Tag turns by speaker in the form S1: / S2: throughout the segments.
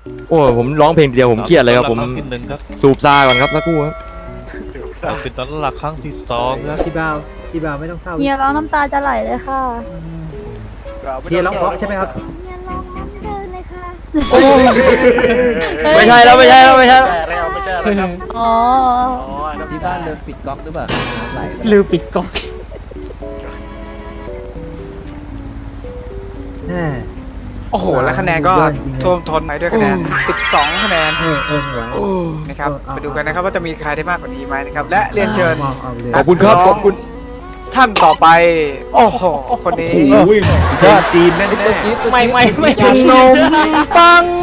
S1: โอ้ผมร้องเพลงเดียวผมเครียดเลยครับผม
S2: ที่หนึ่งครับ
S1: สูบซาก่อนครับสักครู่ครับ
S2: เป็นตอนหลักครั้งที่สองครับ
S3: พี่บ่าวไม่ต้องเศร้า
S4: เฮียร้องน้ำตาจะไหลเลยค่ะ
S3: เฮียร้องเพราะใช่ไหมครับ
S4: เฮียร้องน้ำเดินเลยค่ะ
S1: ไม่ใช่แล้วไม่ใช่แล้ว
S5: ไม่ใช่แล้วครับ
S4: อ๋อ
S3: ที่บ้านเดินปิดก๊อกหรือเปล่าไหล
S6: ลืมปิดก๊อก
S3: แน่
S5: โอ้โหแล้วคะแนนก็ท่วมท้นไปด้วยคะแนน12คะแนน
S3: ไหว
S5: นะครับไปดูกันนะครับว่าจะมีใครได้มากกว่านี้ไหมนะครับและเรียนเชิญ
S1: ขอบคุณครับขอบคุณ
S5: ท่านต่อไปโอ้โหคนนี้
S3: ยอดจีนแน่
S6: ไม่
S5: นมปัง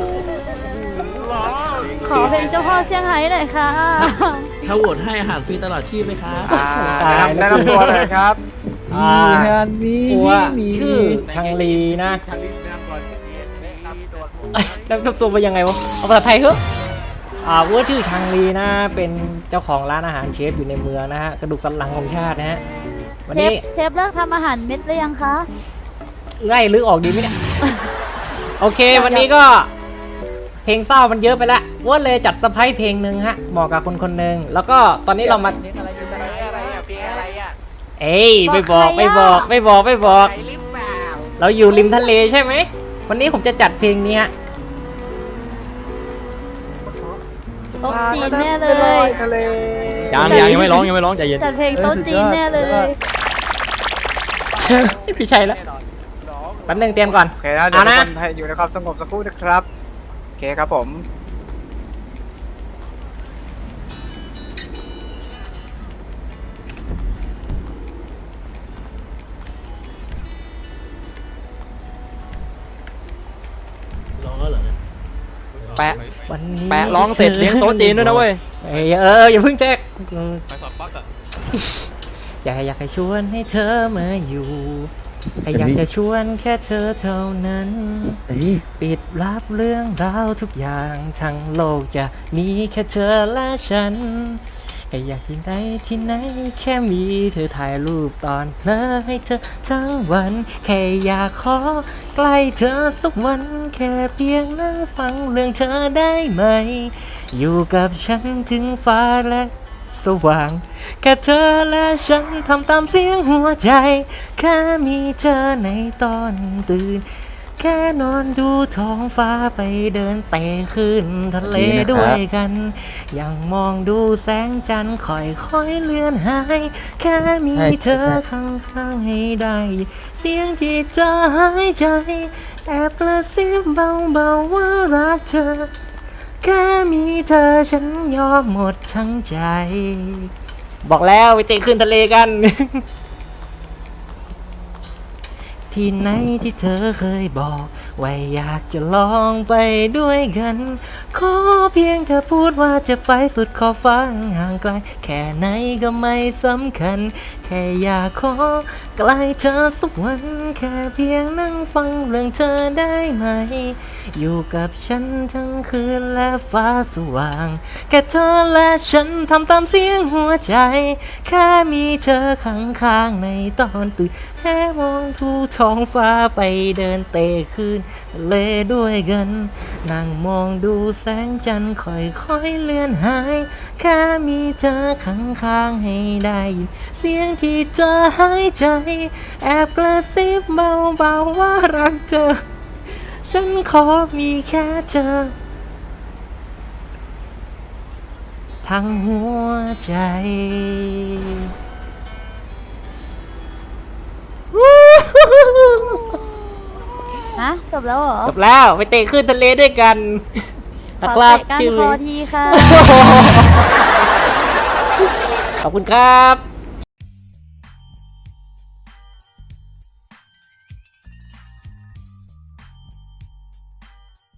S4: ขอเพลงเจ้าพ่อเซี่ยงไฮ้หน่อยค่ะ
S7: ถ้าโหวตให้อาหารฟรีตลอดชีพไหมคะ
S5: แนะนำตัวเลยครับ
S6: ว่าชื่อชังลีนะแล้วตัวเป็นยังไงวะเอาภาษาไทยเหรอว่าชื่อชังลีนะเป็นเจ้าของร้านอาหารเชฟอยู่ในเมืองนะฮะกระดูกสันหลังของชาตินะฮะวันนี้
S4: เชฟเลิกทำอาหารเม็ดหรือยังคะ
S6: ไล่ลึกออกดีไหมเนี่ย โอเควันนี้ก็เพลงเศร้ามันเยอะไปละว่าเลยจัดเซอร์ไพรส์เพลงหนึ่งฮะเหมาะกับคนหนึ่งแล้วก็ตอนนี้เรามาเอ้ยไม่บอก เราอยู่ริมทะเลใช่ไหมวันนี้ผมจะจัดเพลงนี้ฮะ
S4: โต๊ะจีนแน่เลย
S5: ทะเล
S1: ยังไม่ร้องใจเย็น
S4: จัดเพลงโต๊ะจีนแน่เลย
S6: พี่ชัยแล้วแป๊บนึงเตรียมก่อน
S5: โอเคนะเดี๋ยว
S6: เอา
S5: ทุก
S6: นะ
S5: คนให้อยู่ในความสงบสักครู่นะครับโอเคครับผม
S7: ร้องแล้วเหรอเนี่ย
S1: แปะ
S6: วันนี้
S1: แปะร้องเสร็จเลี้ยงโต๊ะจีนด้วยนะเว้ย
S6: อย่าเพิ่งแทรก
S2: ไปสอบปักอ่ะ
S6: อยากให้ชวนให้เธอมาอยู่แค่อยากจะชวนแค่เธอเท่านั้น ปิดรับเรื่องราวทุกอย่างทั้งโลกจะมีแค่เธอและฉันแค่อยากที่ไหนแค่มีเธอถ่ายรูปตอนเพลอให้เธอทั้งวันแค่อยากขอใกล้เธอสักวันแค่เพียงนั่งฟังเรื่องเธอได้ไหมอยู่กับฉันถึงฟ้าและสว่างแค่เธอและฉันทำตามเสียงหัวใจแค่มีเธอในตอนตื่นแค่นอนดูท้องฟ้าไปเดินเตะขึ้นทะเลด้วยกันยังมองดูแสงจันทร์ค่อยๆเลือนหายแค่มีเธอข้างๆให้ได้เสียงที่เธอหายใจแอบกระซิบเบาๆว่ารักเธอแค่มีเธอฉันยอมหมดทั้งใจบอกแล้วไปเตะขึ้นทะเลกัน ที่ไหนที่เธอเคยบอกว่าอยากจะลองไปด้วยกันขอเพียงเธอพูดว่าจะไปสุดขอบฟ้าห่างไกลแค่ไหนก็ไม่สำคัญแค่อยากขอใกล้เธอสักวันแค่เพียงนั่งฟังเรื่องเธอได้ไหมอยู่กับฉันทั้งคืนและฟ้าสว่างแค่เธอและฉันทำตามเสียงหัวใจแค่มีเธอข้างๆในตอนตื่นแค่มองดูท้องฟ้าไปเดินเตะขึ้นทะเลด้วยกันนั่งมองดูแสงจันทร์ค่อยๆเลื่อนหายแค่มีเธอข้างๆให้ได้ยินเสียงที่เธอหายใจแอบกระซิบเบาๆว่ารักเธอฉันขอมีแค่เธอทั้งหัวใจ
S4: ฮะ จบแล้วเหรอ
S6: จบแล้วไปเตะขึ้นทะเลด้วยกัน
S4: ข
S6: นะ
S4: อ
S6: ครับ
S4: เตะก้าน
S6: ชื่อ
S4: คอทีค่ะ
S6: ขอบคุณครับ